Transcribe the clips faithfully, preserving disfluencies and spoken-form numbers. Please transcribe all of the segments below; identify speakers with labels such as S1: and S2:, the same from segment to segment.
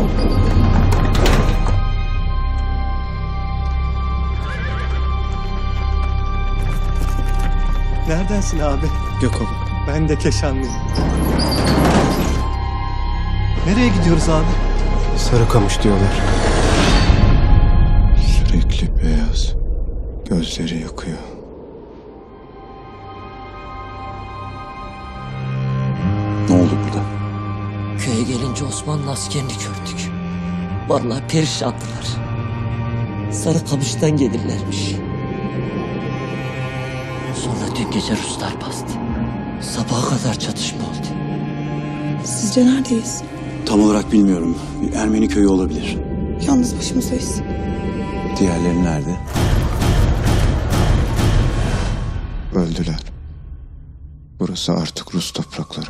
S1: Neredensin abi?
S2: Gökova.
S1: Ben de Keşanlıyım. Nereye gidiyoruz abi?
S2: Sarıkamış diyorlar.
S3: Sürekli beyaz. Gözleri yakıyor. Ne oldu burada?
S4: Köye gelince Osmanlı askerini gördük. Vallahi perişandılar. Sarıkamış'tan gelirlermiş. Sonra dün gece Ruslar bastı. Sabaha kadar çatışma oldu.
S5: Sizce neredeyiz?
S3: Tam olarak bilmiyorum. Bir Ermeni köyü olabilir.
S5: Yalnız başımızdayız.
S3: Diğerleri nerede? Öldüler. Burası artık Rus toprakları.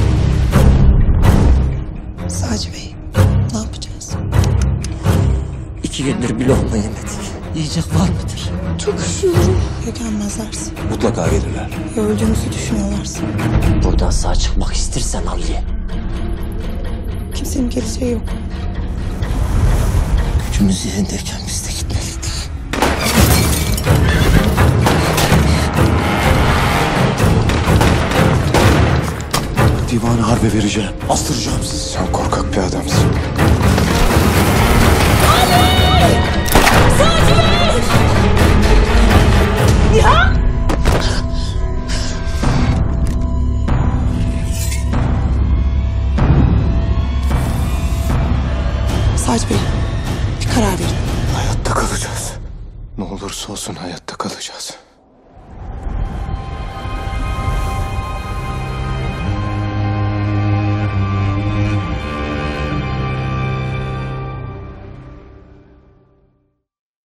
S5: Sadece Bey, ne yapacağız?
S4: İki gündür bir lokma yemedik. Yiyecek var mıdır?
S5: Çok üşüyorum. Ya gelmezlerse?
S3: Mutlaka gelirler.
S5: Ya öldüğümüzü düşünüyorlarsa?
S4: Buradan sağ çıkmak istersen al ye.
S5: Kimsenin geleceği yok.
S4: Gücümüz yerindeyken biz de gitmeliydik.
S3: Divanı harbe vereceğim. Astıracağım sizi. Sen korkak bir adamsın.
S5: Sadece Bey, bir karar verin.
S3: Hayatta kalacağız. Ne olursa olsun hayatta kalacağız.